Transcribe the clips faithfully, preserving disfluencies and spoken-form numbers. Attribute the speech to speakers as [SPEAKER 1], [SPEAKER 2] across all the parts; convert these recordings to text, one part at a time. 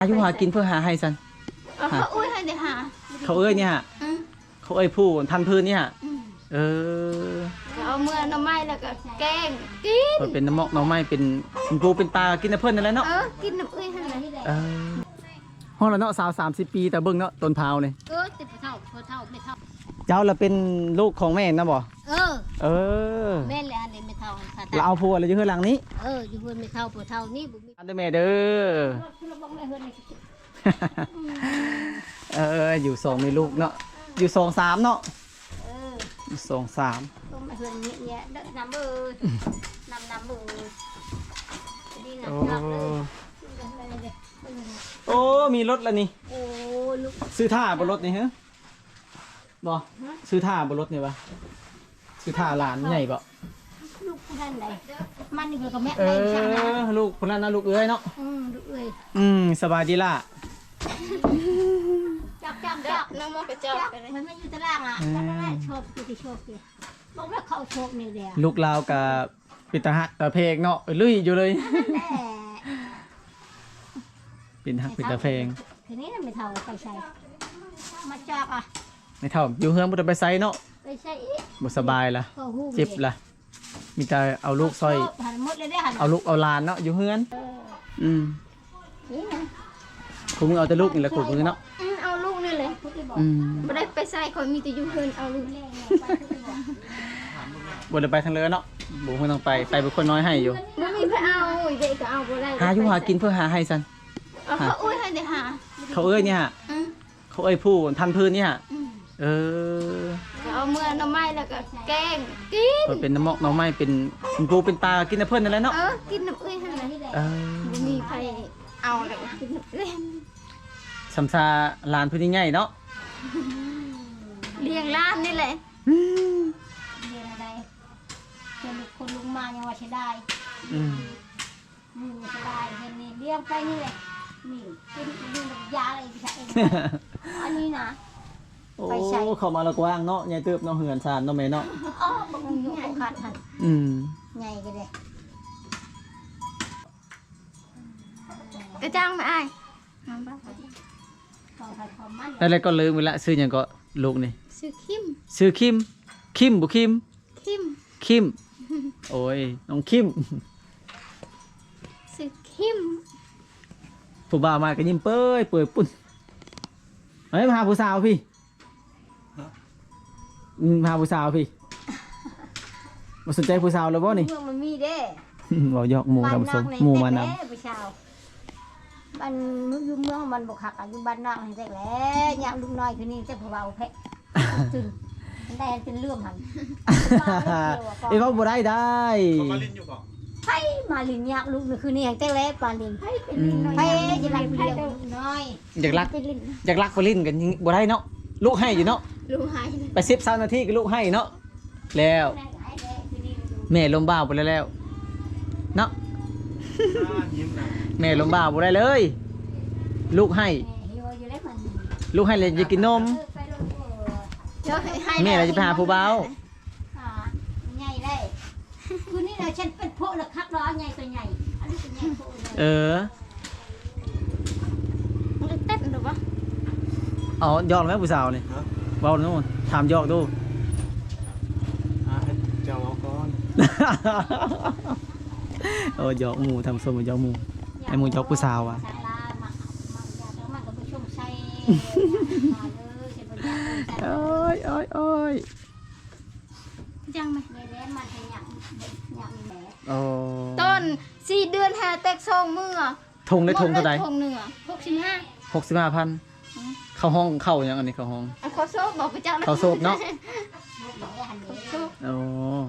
[SPEAKER 1] อายุหากินเพื่อหาให้ซัน
[SPEAKER 2] เขาอุ้ยให้เดี๋ยวหา
[SPEAKER 1] เขาเอ้ยเนี่ยฮะเขาเอ้ยผู้พันพื้นนี่ฮะเออ
[SPEAKER 2] เอาเมื่อน้ำไม้แล้วก็แกงกิน
[SPEAKER 1] เป็นน้ำมอกน้ำไม้เป็นปูเป็นปลากินน้ำเพิ่นนั่นแหละเนาะ
[SPEAKER 2] เออกินน้ำอุ้ยให้เลย
[SPEAKER 1] เออห้องเราเนาะสาวสามสิบปีแต่เบิ่งเนาะต้นพาวเนี่ย
[SPEAKER 2] เออติดเท่าเท่าไม่เท่า
[SPEAKER 1] เจ้าเราเป็นลูกของแม่นะบ่
[SPEAKER 2] เออ
[SPEAKER 1] เออ
[SPEAKER 2] แม่แหละอันนี้ไม่เท่า
[SPEAKER 1] เราเอาผัวอะไรอยู่ข้างหลังนี้
[SPEAKER 2] เอออยู่เพื่อนไม่เท่าผัวเท่านี่บุมี
[SPEAKER 1] อันเดอร์แม่เด้อเอออยู่สองมีลูกเนาะอยู่สองสามเนาะ
[SPEAKER 2] เออ
[SPEAKER 1] อยู่สองสาม
[SPEAKER 2] ต้องมาเพื่อนนี้เนี่ยเด็กน้ำเบอร์น้ำน้ำเบอร์ดีนะจับเลย
[SPEAKER 1] โอ้มีรถแล้วนี่
[SPEAKER 2] โอ้ลูก
[SPEAKER 1] ซื้อท่าบนรถนี่ฮะบ่ซื้อท่าบนรถนี่ปะซื้อท่าหลานใหญ่ปะ
[SPEAKER 2] ลูกคนนั้นไหนมันนี่ก็แม่
[SPEAKER 1] เออลูกคนนั้นนะลูกเอ้ยเนาะ
[SPEAKER 2] อืมลูกเอ้ย
[SPEAKER 1] อืมสบายดีล่ะ
[SPEAKER 2] จับจับจับน้องมันไปจับมันไม่อยู่ตารางอ่ะจับไม่ได้โชคดีโชคดีบอกว่าเขาโชคนี่เดียว
[SPEAKER 1] ลูกลาวกับปิตาหักตาเพกเนาะลุยอยู่เลยปินหักปิตาเพง
[SPEAKER 2] ทีนี้ไม่เท่าไปใส่มาจับอ่ะ
[SPEAKER 1] ไม่เท่าอยู่เฮือนบ่ได้ไปไสเนาะ
[SPEAKER 2] ไปใส่
[SPEAKER 1] บ่สบายล่ะเจ็บล่ะมีแต่เอาลูกซอยเอาลูกเอาหลานเนาะอยู่เฮือนอืมคุณมึงเอาแต่ลูกนี่แหละคุณมึงเนาะ
[SPEAKER 2] เอาลูกนี่เลยบ่ได้ไปใส่คนมีแต่อยู่เฮือนเอาลูก
[SPEAKER 1] บ่ได้ไปทางเรือเนาะบ่ฮู้ต้องไปไปเป็นคนน้อยให้อยู่
[SPEAKER 2] บ่มีไปเอาเด็กก็เอาบ่ได้
[SPEAKER 1] หาอยู่หากินเพื่อหาให้ซัน
[SPEAKER 2] เขาอุ้ยให้เดี๋ยวหา
[SPEAKER 1] เขาเอ้ยเนี่ยฮะเขาเอ้ยผู้พันพื้นนี่ฮะเออ
[SPEAKER 2] เอาเมื่อน้ำไม้แล้วก็แกงกิน
[SPEAKER 1] เป็นน้ำมอกน้ำไม้เป็นปูเป็นปลากินน้ำเพิ่นนั่นแหละเนาะ
[SPEAKER 2] เออกินน้ำอุ้ยให้เลย
[SPEAKER 1] เออ
[SPEAKER 2] มีใครเอาเลยกินน้ำอุ้ย
[SPEAKER 1] สัมซาลานพื้นใหญ่เนาะ
[SPEAKER 2] เลี้ยงล้านนี่แหละเลี้ยงอะไรเจอคนลุงมายังว่าใช้ได้
[SPEAKER 1] อืม
[SPEAKER 2] มือใช้ได้เห็นนี่เลี้ยงไปนี่เลยนี่กินกินยาอะไรใช่อันนี้นะ
[SPEAKER 1] โอ้เข้ามาละกว้างเนาะใหญ่เติบเนาะเหือนซานเนาะแม่เนาะ
[SPEAKER 2] อ๋อบางอยู่ขาดทัน
[SPEAKER 1] อืม
[SPEAKER 2] ใหญ่กันเลยกระจังไหมไอ้
[SPEAKER 1] อะไรก็ลืมไปละซื้ออย่างก็ลูกนี่
[SPEAKER 2] ซื้อคิม
[SPEAKER 1] ซื้อคิมคิมบุคิม
[SPEAKER 2] คิม
[SPEAKER 1] คิมโอ้ยน้องคิม
[SPEAKER 2] ซื้อคิม
[SPEAKER 1] ผู้บ่าวมาก็ยิ้มเป้ยเปื่อยปุ่นเฮ้ยมาหาผู้สาวพี่มาหาผู้สาวพี่มาสนใจผู้สาวเลยบ่นี่
[SPEAKER 2] เมืองมันมีเด้
[SPEAKER 1] เราหยอกหมูทำสมหมูมานำ
[SPEAKER 2] ผู้สาวบ้านอยู่เมืองมันบกหักอยู่บ้านนอกให้ได้แล้วยามลุงน้อยคือนี่จะผู้บ่าวแพะตึงได้เป็นเรื่องหัน
[SPEAKER 1] ไอ้พ่อบ่ได้ได้
[SPEAKER 3] มาลินอยู่ก่อน
[SPEAKER 2] ไพ่มาลินยากลูกนี่คือนี่อย่างเต้แล้วปาลินไพ่เป็นลินน้อยไพ่จะรักเลี้ยงน้อย
[SPEAKER 1] อยากรักอยากรักไปลินกันบ่ได้เนาะลูกให้อยู่เนาะ
[SPEAKER 2] ลูกให้
[SPEAKER 1] ไปสิบสามนาทีก็ลูกให้เนาะแล้วแม่ลมบ้าไปแล้วแล้วเนาะแม่ลมบ้าไปได้เลยลูกให้ลูกให้เลยจะกินนมแม่เราจะไปหาผู้บ่าว
[SPEAKER 2] ใหญ่ได้คือนี่เราฉันเป็นพวกละคักร้อนใหญ่ตัวใหญ่อันนี้ตัวใหญ่พวก
[SPEAKER 1] เออ
[SPEAKER 2] มันเต้นหรือเปล่า
[SPEAKER 1] อ๋อยอกไหมผู้สาวนี่เบาโน่นถามยอกดู
[SPEAKER 3] เจ้าเอาก่อน
[SPEAKER 1] โอ้ยอกหมูทำสมยอกหมูไอ้หมูยอกผู้สาวอ่ะโอ้ยโอ้ยโอ้ย
[SPEAKER 2] จังไหม
[SPEAKER 1] ต้
[SPEAKER 2] นสี่เดือนหาแตกซองมือ
[SPEAKER 1] ทงได้ทงเท่าไหร่
[SPEAKER 2] ทงหนึ่งหกสิบห้า
[SPEAKER 1] หกสิบห้าพันเข้าห้องเข้าอย่างอันนี้เข้าห้อง
[SPEAKER 2] เขาโซบบอกไปจ้า
[SPEAKER 1] เขาโซบเนาะโอ้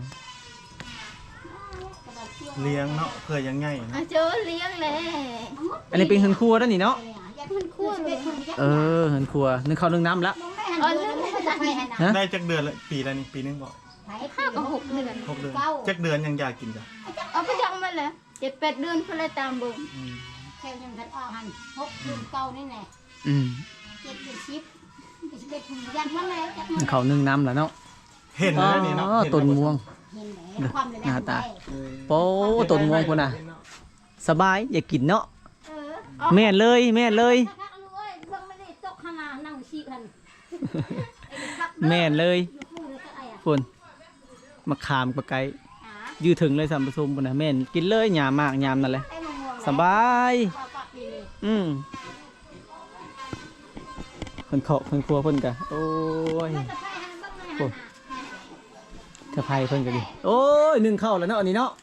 [SPEAKER 3] เลี้ยงเนาะเคยยังไง
[SPEAKER 2] เจอเลี้ยงเลย
[SPEAKER 1] อันนี้เป็นเฮือนครัวด้านนี้เนาะเออเฮือนครัวนึ่งข้าวนึ่งน้ำแล้ว
[SPEAKER 3] ได้จักเดือนละปีละนี่ปีนึงบอก
[SPEAKER 2] ห้ากับหกเดือน
[SPEAKER 3] หกเดือนจักเดือนยังอยากกินจ้ะ
[SPEAKER 2] เอาไปจังมาเลยเจ็ดแปดเดือนเพื่อตามบุญแค่ยังกันออกหันหกเดือนเก่านี่แหละ
[SPEAKER 1] อืม
[SPEAKER 2] เจ็ดเดือนสิบเจ็ดถุงยันมาแล้ว
[SPEAKER 1] จักข้าวนึ่งน้ำแล้วเนาะ
[SPEAKER 3] เห็นแล้วนี่เนาะ
[SPEAKER 1] ต้นม่วงหน้าตาโป้ต้นม่วงคนน่ะสบายอยากกินเนาะแม่นเลยแม่นเลย
[SPEAKER 2] คักๆลูกเอ้ยเบิ่งไม่ได้ตกขนาดนั่งชี้กัน
[SPEAKER 1] แม่นเลย
[SPEAKER 2] อยู่พูดเลยก็ไอ้อะ
[SPEAKER 1] พุ่นมาขามปะไก
[SPEAKER 2] หา
[SPEAKER 1] ยืดถึงเลยสัมปทมพุ่นน่ะแม่นกินเลยหยามมากหยามนั่นแหละ
[SPEAKER 2] ไอ้มะม่วง
[SPEAKER 1] สบาย
[SPEAKER 2] เอาปากนี่เลย
[SPEAKER 1] อืมเพิ่นเคาะเพิ่นครัวเพิ่นกะโอ้ย
[SPEAKER 2] ไม่จะไปหันเบิ่งเลยหันน่ะ
[SPEAKER 1] ถ้าไผเพิ่นก็ดีโอ้ยหนึ่งเข้าแล้วเนาะอันนี้เนาะ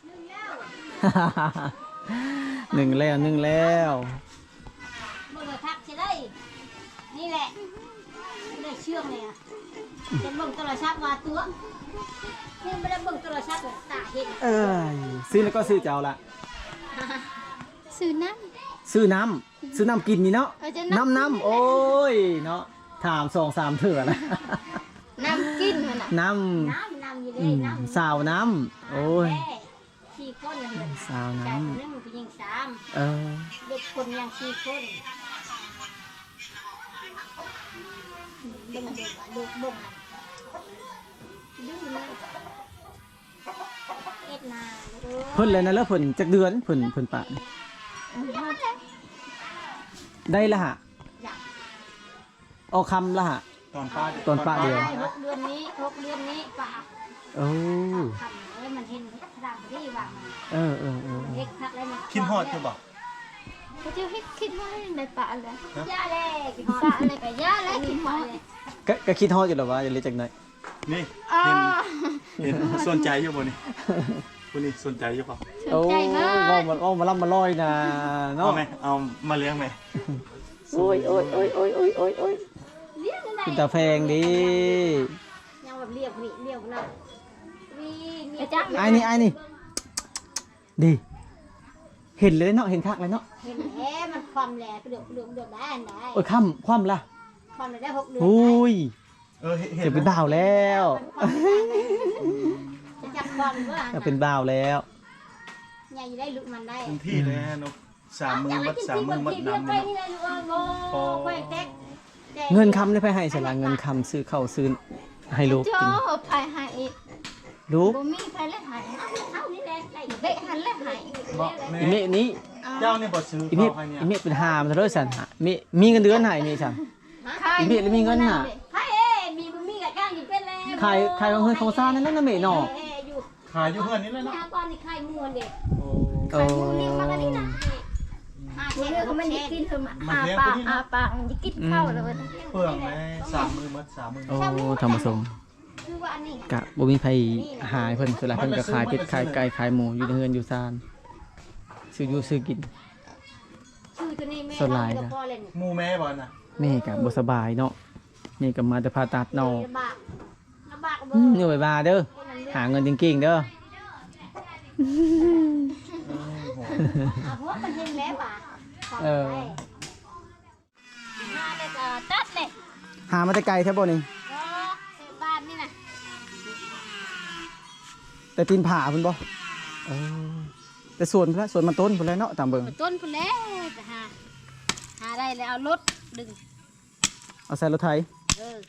[SPEAKER 2] หนึ่งแล้ว
[SPEAKER 1] หนึ่งแล้วหนึ่งแล้ว
[SPEAKER 2] เบิ่งเลยคักใช่ได้นี่แหละไม่ได้เชื่องเลยอ่ะจะเบิ่งโทรศัพท์ว่าตัวนี่ไม่ได้เบิ่งโทรศัพท์แบบตาเห็น
[SPEAKER 1] เอ้ยซื้อแล้วก็ซื้อเจ้าละ
[SPEAKER 2] ซื้อน้
[SPEAKER 1] ซื้อน้ำซื้อน้ำกินนี่เนาะ
[SPEAKER 2] ำเอาจะ
[SPEAKER 1] น้ำน้ำโอ้ยเนาะถามสองสามเถื่อนะ
[SPEAKER 2] น้ำกินมันอ่ะ
[SPEAKER 1] น้
[SPEAKER 2] น้ำน้ำอยู่
[SPEAKER 1] ำ
[SPEAKER 2] เล
[SPEAKER 1] อื
[SPEAKER 2] ย
[SPEAKER 1] ม
[SPEAKER 2] น้ำ
[SPEAKER 1] สาวน้ำโอ้ย
[SPEAKER 2] สี่คนเลย
[SPEAKER 1] สาว
[SPEAKER 2] จา
[SPEAKER 1] น้
[SPEAKER 2] กหนึ่งผู้หญิงสาม
[SPEAKER 1] ำเออ
[SPEAKER 2] เด็กคนยังสี่คนเบิ่งเด็กลูกบ่งดื้อเลยเอ็ดนาลูก
[SPEAKER 1] เพิ่นเลยนะแล้วเพิ่นจักเดือนเพิ่นเพิ่นปะนี่ได้ละฮะ
[SPEAKER 2] อยาก
[SPEAKER 1] ออกคำละฮะ
[SPEAKER 3] ตอนป้า
[SPEAKER 1] ตอนป้าเดียว
[SPEAKER 2] ได้หกเดือนนี้หกเดือนนี้ป่า
[SPEAKER 1] โอ้
[SPEAKER 2] ทำเลยมันเห็นดามที่วางมัน
[SPEAKER 1] เออเออเออ
[SPEAKER 2] เฮ็ดคักเลยมัน
[SPEAKER 3] คิดฮอดจะบอก
[SPEAKER 2] เขาจะให้คิดว่าในป่าอะไรย่าแรกป่าอะไรกับย่าแรกคิดว่าเลย
[SPEAKER 1] ก็ก็คิดฮอดอยู่แล้วว่าจะเรียกจากไหน
[SPEAKER 3] นี่เห็นเห็นสนใจอยู่บ่นี่คุณนี่สนใจอยู่เปล่า
[SPEAKER 1] โอ้ว่ามันว่ามาล่ำมาลอยนะ
[SPEAKER 3] เอา
[SPEAKER 1] เนาะ
[SPEAKER 3] ไหมเอามาเลี้ยงไหม
[SPEAKER 1] โอ้ยโอ้ยโอ้ยโอ้ยโอ้ยโอ้ยโอ้ย
[SPEAKER 2] เลี้ยงอะไร
[SPEAKER 1] กินตาแพงดิ
[SPEAKER 2] ยังแบบเลี้ยงนี่เลี้ยงนะวีมีจัก
[SPEAKER 1] ไอ้นี่ไอ้นี่ดีเห็นเลยเนาะเห็นคักเลยเนาะ
[SPEAKER 2] เห็นแท้มันความแหลกระโดดกระโดดกระโดดได้อันใด
[SPEAKER 1] โอ้ยค่ำคว่ำละ
[SPEAKER 2] ความแหลได้หกเดือน
[SPEAKER 1] อุ้ย
[SPEAKER 3] เออเห็น
[SPEAKER 1] จะเป็นบ่าวแล้ว
[SPEAKER 2] จะจับความว่า
[SPEAKER 1] จะเป็นบ่าวแล้ว
[SPEAKER 2] ใหญ่ได้ลุกมันได้
[SPEAKER 3] เต็มที่เลยฮะนกสามมือมัดสามมือมัดน้ำ
[SPEAKER 2] ไป
[SPEAKER 3] เลย
[SPEAKER 2] นี่เลยลูกโอ้โหแท็ก
[SPEAKER 1] เงินคำได้ไปให้สละเงินคำซื้อข้าวซื้อให้ลูก
[SPEAKER 2] โจ้
[SPEAKER 1] กิน
[SPEAKER 2] ไปหาอีก
[SPEAKER 1] ลูก
[SPEAKER 2] บ่มีไปแล้วหายเอานี่แหละได้เบะหันแล้วหาย
[SPEAKER 3] บอก
[SPEAKER 1] อี
[SPEAKER 3] แม่
[SPEAKER 1] เมะนี้
[SPEAKER 3] เจ้าเนี่ยบอซื้อ
[SPEAKER 1] อี
[SPEAKER 3] ข้า
[SPEAKER 1] เมะ
[SPEAKER 3] วใครเนี่ย
[SPEAKER 1] อีเมะเป็นหามซะเลยสันหะมีมีเงินเดือนให้นี่สัน อีเมะแล้วมีเงินน่ะ
[SPEAKER 2] ใครเอ้มีบ่มีกับจ้างอยู่เป็นแล้ว
[SPEAKER 1] ขายขายของเฮือนของซ่านนั่นนะเมะเนาะ
[SPEAKER 2] อยู่
[SPEAKER 3] ขายอยู่เพื่อนนี่เลยเนาะ
[SPEAKER 2] หาก่อนนี่ใครมวนเด็ก
[SPEAKER 3] โอ้
[SPEAKER 1] โอ้
[SPEAKER 2] ใครมูเลี้ยงมากันนี่นะหาแช่เขาไม่ได้กินเถอะมาอาปากอาปากมันจะกินข้าวแล้ว
[SPEAKER 3] เปลืองไหมสามมือมัดสามมือ
[SPEAKER 1] โอ้ธรรมสม
[SPEAKER 2] คือว่าอันนี้
[SPEAKER 1] กะบ่มีไผหายเพิ่นสุดละเพิ่นก็ขายเป็ดขายไก่ขายหมูอยู่ในเฮือนอยู่ซ่านซื้ออยู่ซื้อกิน
[SPEAKER 2] ชื่อตัวนี้แม่
[SPEAKER 1] สลายนะ
[SPEAKER 2] พ่อเล่น
[SPEAKER 3] หมูแม่บอลน่ะ
[SPEAKER 1] แม่ก็บ่สบายเนาะแม่ก็มาแต่ผ่าตัดเนาะ
[SPEAKER 2] ลำบากลำบากเบ
[SPEAKER 1] อื
[SPEAKER 2] อ
[SPEAKER 1] ม
[SPEAKER 2] ร์
[SPEAKER 1] เหนื่อยบาเด้อหาเงินจริงๆเด้อ
[SPEAKER 2] อ่ะหัวมันเห็นแล้วป่ะ
[SPEAKER 1] เออ
[SPEAKER 2] มาเลยก็ตัดเลย
[SPEAKER 1] หามาแต่ไกลแท้บ่นี่
[SPEAKER 2] ก็เสพบ้านนี่นะ
[SPEAKER 1] แต่ตีนผาเพิ่นบ่เออแต่สวนพุ่นละสวนมันต้นพุ่นละเนาะตามเบิ่ง
[SPEAKER 2] ต้นพุ่นแล้วจะหาหาได้แล้วเอารถดึง
[SPEAKER 1] เอาใส่รถไถ
[SPEAKER 2] เออ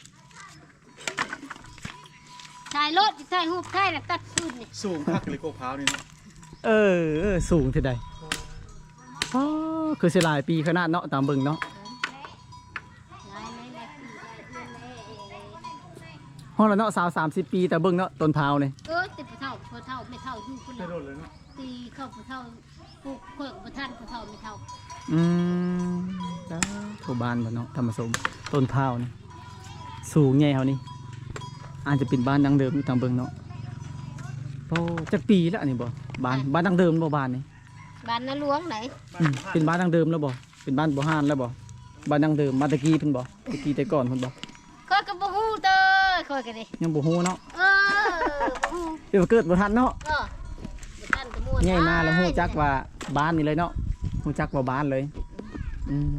[SPEAKER 2] ใส่รถใส่หูบใส่แล้วตัดฟืนนี่
[SPEAKER 3] สูงคักเลยโกพร้าวนี่เนาะ
[SPEAKER 1] เออเออสูงเท่าใดอ๋อคือสิหลายปีขนาดเนาะตามเบิ่งเนาะ
[SPEAKER 2] ไหนไหนไหนไหน
[SPEAKER 1] ฮ้อละเนาะสาวสามสิบปีแต่เบิ่งเนาะต้นพร้าวนี่
[SPEAKER 2] เออติดผู้เฒ่าผู้เฒ่าไม่เฒ่าอยู่พุ่น
[SPEAKER 3] ไม่
[SPEAKER 2] แล้ว
[SPEAKER 3] โดนเลยเนาะ
[SPEAKER 2] ตีเข้าผู้เฒ่าปลูกเพิกผู้ท่านผู้เฒ่าไม่เฒ่า
[SPEAKER 1] อืมแล้วทั่วบ้านบ่เนาะธรรมสมต้นพร้าวนี่สูงใหญ่เฮานี่อาจจะเป็นบ้านดังเดิมอยู่ตามเบิ่งเนาะโอ้จักปีแล้วอันนี้บ่บ้านบ้านดังเดิมบ่บ้านนี่
[SPEAKER 2] บ้านนาหลวงไหน
[SPEAKER 1] อืมเป็นบ้านดังเดิมแล้วบ่เป็นบ้านบ่ฮ้านแล้วบ่บ้านดังเดิมมาแตะกี้เพิ่นบ่ตะกี้แต่ก่อนเพิ่นบ่
[SPEAKER 2] คอยกับบ่ฮู้เด้อคอยกันดิ
[SPEAKER 1] ยังบ่ฮู้เนาะ
[SPEAKER 2] เออบ่ฮู้
[SPEAKER 1] เดี๋ยวเกิดบ่ทันเนาะ
[SPEAKER 2] เออบ่ทันก็ม่วน
[SPEAKER 1] ใหญ่มาแล้วฮู้จักว่าบ้านนี่เลยเนาะฮู้จักว่าบ้านเลยอืม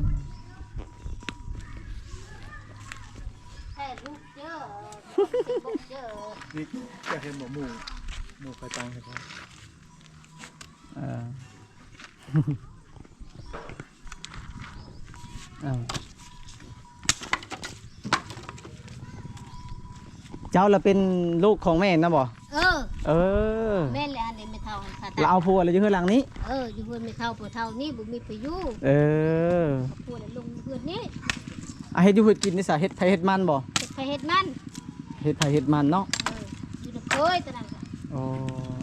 [SPEAKER 2] แท้ลูกเจ้อบ่เจ้อ
[SPEAKER 3] นี่จะเห็นหมูหมูหมูไฟตังใช่ปะ
[SPEAKER 1] เออ เอ้าเจ้าละเป็นลูกของแม่นะบ่
[SPEAKER 2] เออ
[SPEAKER 1] เออ
[SPEAKER 2] แม่นแหละอันนี้ไม่เท่าผ่าตัด
[SPEAKER 1] เราเอาผัวเลยอยู่เฮือนหลังนี้
[SPEAKER 2] เอออยู่เพื่อนไม่เท่าปวเท่านี่บุมีประโยชน์
[SPEAKER 1] เออ
[SPEAKER 2] ปวดลงเพื่อนนี่
[SPEAKER 1] อ่ะเฮ็ดอยู่เฮ็ดกินนี่ซะเฮ็ดไผเฮ็ดมันบ่
[SPEAKER 2] เฮ็ดไปเฮ็ดมัน
[SPEAKER 1] เฮ็ดไผเฮ็ดมันเนาะ
[SPEAKER 2] เอออยู่ในเคยตอนนั้น
[SPEAKER 1] อ๋อ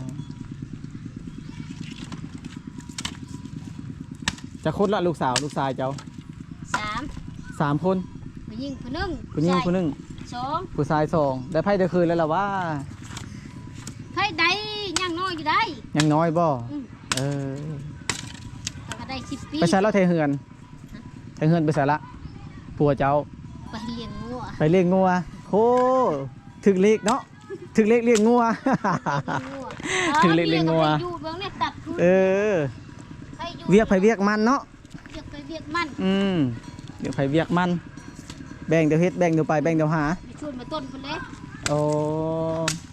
[SPEAKER 1] จะคนละลูกสาวลูกชายเจ้า
[SPEAKER 2] สาม
[SPEAKER 1] สามคน
[SPEAKER 2] ผู้หญิงผู้หนึง
[SPEAKER 1] ผู้หญิงผู้หนึง
[SPEAKER 2] สอง
[SPEAKER 1] ผู้ชายสองได้ไผได้คืนแล้วล่ะว่า
[SPEAKER 2] ใครได้ยังน้อยอยู่ได้
[SPEAKER 1] ยังน้อยบ่
[SPEAKER 2] อืม
[SPEAKER 1] เออ
[SPEAKER 2] แต่ก็ได้สิบปี
[SPEAKER 1] ไปใส่แล้วไทเฮือนไทเฮือนไปใส่ละผัวเจ้า
[SPEAKER 2] ไปเลี้ยงงัว
[SPEAKER 1] ไปเลี้ยงงัวโหถึกเลขเนาะถึกเลขเลี้ยงงัว ถึงเลี้ยงงัว
[SPEAKER 2] อยู่เบิ่งเนี่ยตัดทุน
[SPEAKER 1] เออ
[SPEAKER 2] ใครอยู่
[SPEAKER 1] เวียกไผเวียกมันเนาะ
[SPEAKER 2] เวียกไปเวียกมัน
[SPEAKER 1] อืมเวียกไผเวียกมัน แบ่งเดี๋ยวเฮ็ดแบ่งเดี๋ยวไปแบ่งเดี๋ยวหา
[SPEAKER 2] ไปชวนมาต้นพุ่นเลย
[SPEAKER 1] โอ้